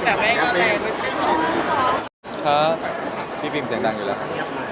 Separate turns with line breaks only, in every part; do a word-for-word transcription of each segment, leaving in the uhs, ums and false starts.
แต่แม่ก็แรงไม่ใช่หรอ
ครับพี่ฟิล์มเสียงดังอยู่แล้ว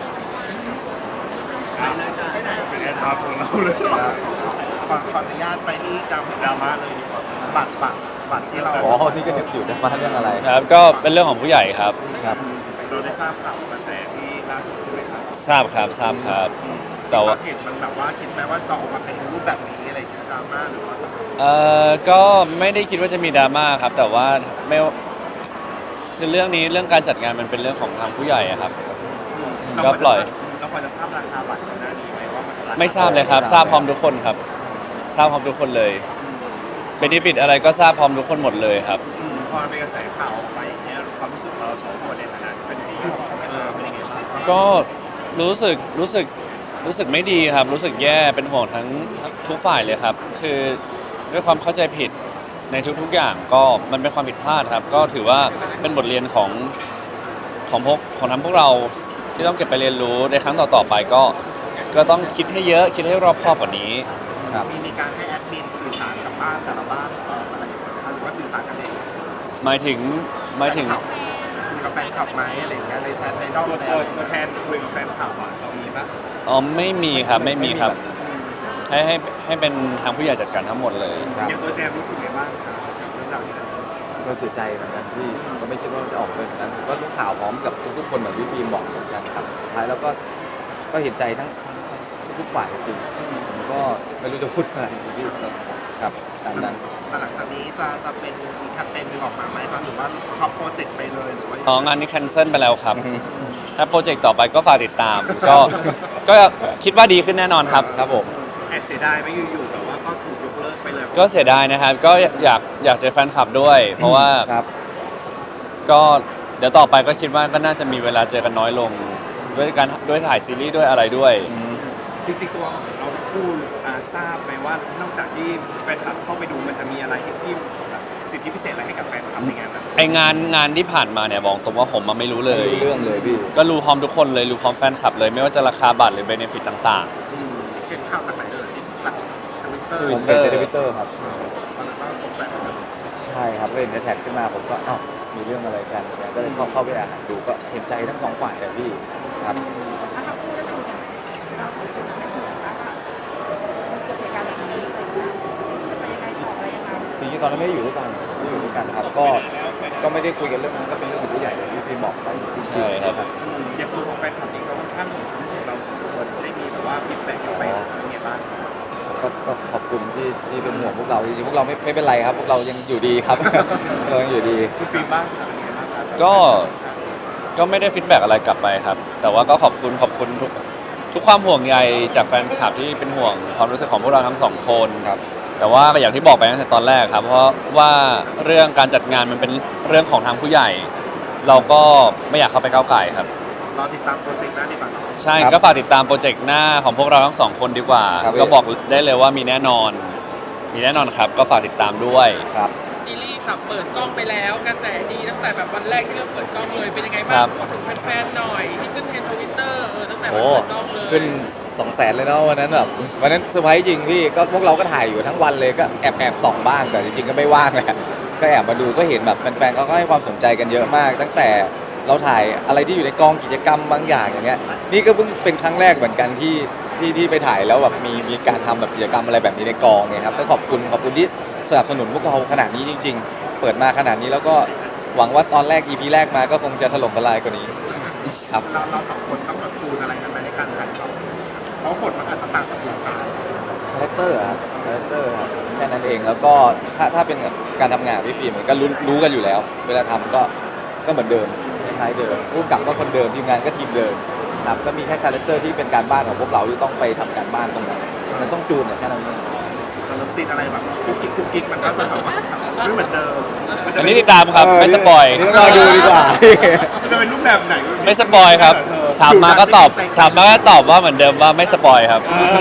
เป็นแอดมาของเราเลยขอขออนุญาตไปที่ดราม่าเลยดีกว่าบัตรบัตรบัตรที่เรา
อ๋อนี่ก็นึกอยู่ดราม่าเรื่องอะไร
ครับก็เป็นเรื่องของผู้ใหญ่ครับ
ครับ
เราได้ทราบข่าวกระแสที่ล่าสุดใช่ไหมครับ
ทราบครับทราบครับ
แต่ว่าเห็นมันแบบว่าคิดไหมว่าจะออกมาเป็นรูปแบบนี้อะไรอย่างเงี้ยดราม่าหรือว่า
เอ่อก็ไม่ได้คิดว่าจะมีดราม่าครับแต่ว่าไม่คือเรื่องนี้เรื่องการจัดงานมันเป็นเรื่องของทางผู้ใหญ่ครับก็ปล่อย
เราพอจะทราบราคาบัตรหน้านี้ไหมว่ามัน
ไม่ทราบเลยครับทราบพร้อมทุกคนครับทราบพร้อมทุกคนเลยเบเนฟิตอะไรก็ทราบพร้อมทุกคนหมดเลยครับ
พอเป็นกระแสข่าวออกไปอย่างเงี้ยความรู้สึกเราสองคนในฐานะเป็นพี่เป็นยังไงบ้าง
ก็รู้สึกรู้สึกรู้สึกไม่ดีครับรู้สึกแย่เป็นห่วงทั้งทุกฝ่ายเลยครับคือด้วยความเข้าใจผิดในทุกๆอย่างก็มันเป็นความผิดพลาดครับก็ถือว่าเป็นบทเรียนของของพวกของทั้งพวกเราที่ต้องเก็บไปเรียนรู้ในครั้งต่อๆไปก็ก็ต้องคิดให้เยอะคิดให้รอบคอบกว่านี้
ครับ
มีการให้แอดมินสื่อสารกับบ้านแต่ละบ้านอะไรอย่างเงี้ยหรือว่าสื่อสารกันเอง
หมายถึงหมายถึง
คุยกับแฟนคลับไหมอะไรอย่างเงี้ยในแชทในนอกในตัวแทนคุยกับแฟนคลับอ่ะเรามีปะ
อ๋อไม่มีครับไม่มีครับให้ให้ให้เป็นทางผู้ใหญ่จัดการทั้งหมดเลย
อย่างตัวแซมรู้สึกไงบ้างครับกับเรื่องราวนี้
ก็เสียใจเหมือนกันที่ก็ไม่คิดว่าจะออกเป็นแบบนั้นก็รู้ข่าวพร้อมกับทุกๆคนเหมือนที่ฟิล์มบอกเหมือนกันครับสุดท้ายแล้วก็ก็เห็นใจทั้งทุกฝ่ายจริงผมก็ไม่รู้จะพูดอะไรที่ครับตามนั้น
แต่หลังจากนี้จะจะเป็นมีแคมเปญนึงออกมาไหมครับหรือว่าท็อปโปรเจกต์ไปเลยหรือว่า
อ๋องานนี้แคนเซิลไปแล้วครับถ้าโปรเจกต์ต่อไปก็ฝากติดตามก็ก็คิดว่าดีขึ้นแน่นอนครับ
ครับผม
แอบเสียดายไม่อยู่ๆแต่ว่าก็ถูกยกเลิกไปเลย
ก็เสียดายนะครับก็อยากอยากเจอแฟนคลับด้วยเพราะว่าก็เดี๋ยวต่อไปก็คิดว่าก็น่าจะมีเวลาเจอกันน้อยลงด้วยการด้วยถ่ายซีรีส์ด้วยอะไรด้วย
จริงๆตัวเราผู้ทราบไหมว่านอกจากที่แฟนคลับเข้าไปดูมันจะมีอะไรที่สิทธิพิเศษอะไรให้กับแฟนคลับในงานนั้น
ไองานงานที่ผ่านมาเนี่ยบอกตรงว่าผมมาไม่รู้เลย
เรื่องเลยพี่
ก็รู้พร้อมทุกคนเลยรู้พร้อมแฟนคลับเลยไม่ว่าจะราคาบัตรหรือเบเนฟิตต่าง
ๆเห็นข่าวจากไหนเลยจาก
ทวิตเตอร์ผมเห็นในทวิตเตอร์ครับ
ตอนนั้นก็ตกใจ
ใช่ครับเห็นในแท็กขึ้นมาผมก็อ้าวมีเรื่องอะไรกันก็เลยเข้าเข้าไปอ่านดูก็เห็นใจทั้งสองฝ่ายเลยพี่ครับจริงๆตอนนั้นไม่ได้อยู่ด้วยกันไม่อยู่ด้วยกันครับก็ก็ไม่ได้คุยกันเรื่องนั้นก็เป็นเรื่องของผู้ใหญ่เลยที่พี่บอกไปจริงๆใช่
ครับ
อย่างตัวของแฟนคลับเองเขาค่อนข้างรู้สึกเราสองคนได้มีแบบว่าฟีดแบ็กไปยังไงบ้าง
ก็ขอบคุณที่ที่เป็นห่วงพวกเราจริงๆพวกเราไม่ไม่เป็นไรครับพวกเรายังอยู่ดีครับเรายังอยู่ดี
คุณฟีบ้าง
ก็ก็ไม่ได้ฟีดแบ็กอะไรกลับไปครับแต่ว่าก็ขอบคุณขอบคุณทุกทุกความห่วงใยจากแฟนคลับที่เป็นห่วงความรู้สึกของพวกเราทั้งสองคน
ครับ
แต่ว่าอย่างที่บอกไปตั้งแต่ตอนแรกครับเพราะว่าเรื่องการจัดงานมันเป็นเรื่องของทางผู้ใหญ่เราก็ไม่อยากเข้าไปก้าวไก่ครับ
รอติดตามโปรเจกต์หน้าดีกว่า
ใช่ก็ฝากติดตามโปรเจกต์หน้าของพวกเราทั้งสองคนดีกว่าก็บอกได้เลยว่ามีแน่นอนมีแน่นอนครับก็ฝากติดตามด้วย
ครับ
ซีรีส์ครับเปิดกล้องไปแล้วกระแสดีตั้งแต่แบบวันแรกที่เริ่มเปิดกล้องเลยเป็นยังไงบ้างบอกถึงแฟนๆหน่อยที่ขึ้นเทรนด์ทวิตเตอร์เออตั้งแต่วันเปิดกล้องเลย
ขึ้นสองแสนเลยเนาะวันนั้นแบบวันนั้นเซอร์ไพรส์จริงพี่ก็พวกเราก็ถ่ายอยู่ทั้งวันเลยก็แอบแอบส่องบ้างแต่จริงๆก็ไม่ว่างแหละก็แอบมาดูก็เห็นแบบแฟนๆก็ให้ความสนใจกันเยอะมากตั้งแต่เราถ่ายอะไรที่อยู่ในกองกิจกรรมบางอย่างอย่างเงี้ยนี่ก็เพิ่งเป็นครั้งแรกเหมือนกันที่ที่ที่ไปถ่ายแล้วแบบมีมีการทำแบบกิจกรรมอะไรแบบนี้ในกองไงครับก็ขอบคุณขอบคุณที่สนับสนุนพวกเราขนาดนี้จริงๆเปิดมาขนาดนี้แล้วก็หวังว่าตอนแรก อี พี แรกมาก็คงจะถล่มทลายกว่านี้ครับ
เราเราสองคนต้องแบบจูนอะไรกันไหมในการถ่ายทำเพราะบทมันอาจจะต่างจากผู้ชาย
คาแรคเตอร์ครับคาแรคเตอร์ครับแค่นั้นเองแล้วก็ถ้าถ้าเป็นการทำงานพี่ฟิล์มก็รู้รู้กันอยู่แล้วเวลาทำก็ก็เหมือนเดิมคล้ายๆเดิมผู้กำกับก็คนเดิมทีมงานก็ทีมเดิมครับก็มีแค่คาแรคเตอร์ที่เป็นการบ้านของพวกเราที่ต้องไปทำการบ้านตรงนั้นมันต้องจูนแค่นั้นเอง
มันต้องซีนอะไรแบบกุ๊กกิ๊กกุ๊กกิ๊กมันก็จะแบบว่าไม่เหมือนเดิม
อันนี้ติดตามครับไม่สปอย
ต้องรอดูดีกว่า
จะเป็นรูปแบบไหน
ไม่สปอยครับถามมาก็ตอบถามมาก็ตอบว่าเหมือนเดิมว่าไม่สปอยครับ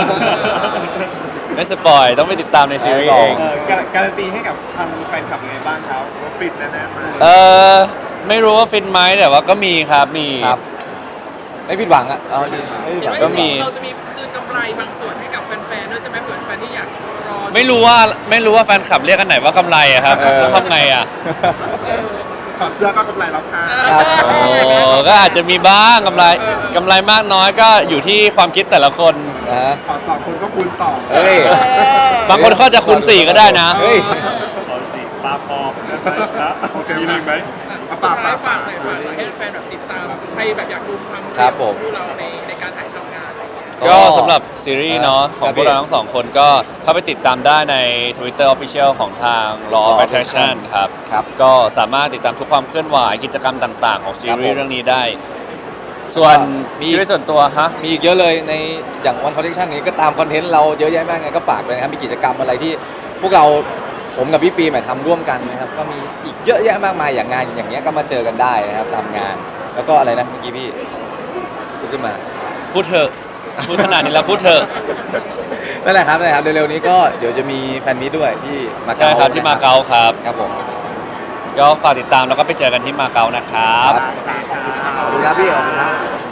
ไม่สปอยต้องไปติดตามในซีรีส์เอง
การันตีให้กับทางแฟนคลับยังไงบ้างครับฟินแน่ๆมาก
เออไม่รู้ว่าฟินไหมแต่ว่าก็มีครับมี
ครับไม่ผิดหวังอ่ะเอาดีไม่ผิดหวัง
ก็มี
เราจะมีคืนกำไรบางส่วนให้กับแฟนๆด้วยใช่ไหมเผื่อแฟนที่อยากรอ
ไม่รู้ว่าไม่รู้ว่าแฟนคลับเรียกกันไหนว่ากำไรอะครับต้องทำไงอะ
พถอดเสื้อก็กำไรแล้วค่ะ
ครับ
โอ้ก็อาจจะมีบ้างกำไรกำไรมากน้อยก็อยู่ที่ความคิดแต่ละคน
นะฮะ
ถอดสองคนก็คูณสอง
เฮ้ย
บางคนเขาจะคูณสี่ก็ได้นะ
เฮ้ย
เอาสิปลาปอมนะโอเคมีไหมเอา
ฝา
ฝาก ก
ฝา
ฝาก ก
ฝากหน่อยฝากหน่อยให้แฟนแบบติดตาม ใครแบบอยากดูความ
ครับผม
คู่เราในในการถ่ายทำงานอะไรอย่างเงี้ย
ก็สำหรับซีรีส์เนาะ
ครับ
ของพวกเราทั้งสองคนก็เข้าไปติดตามได้ใน Twitter Official ของทาง Law of Attraction ครับ
ครับ
ก็สามารถติดตามทุกความเคลื่อนไหวกิจกรรมต่างๆ ของซีรี
ครับผ
ส์
ม
เรื่องนี้ได้ ส่วน
มี
ชีวิตส่วนตัวฮะ
มีอีกเยอะเลยในอย่าง One Connection นี้ก็ตามคอนเทนต์เราเยอะแยะมากไงก็ฝากเลยนะครับมีกิจกรรมอะไรที่พวกเราผมกับพี่ปีใหม่ทำร่วมกันนะครับก็มีอีกเยอะแยะมากมายอย่างงานอย่างเงี้ยก็มาเจอกันได้นะครับตามงาน แล้วก็อะไรนะเมื่อกี้พี่พูดขึ้นมา
พูดเถอะ พูดขนาดนี้แล้วพูดเถอะ
นั่นแหละครับนั่นแหละครับเร็วๆนี้ก็เดี๋ยวจะมีแฟนมีตด้วยที่มา
ใช่
เก๊า
ครับที่มาเก๊าครับ
ครับผม
ก็ฝากติดตามแล้วก็ไปเจอกันที่มาเก๊านะครับ
ขอบคุณครับพี่ขอบคุณครับ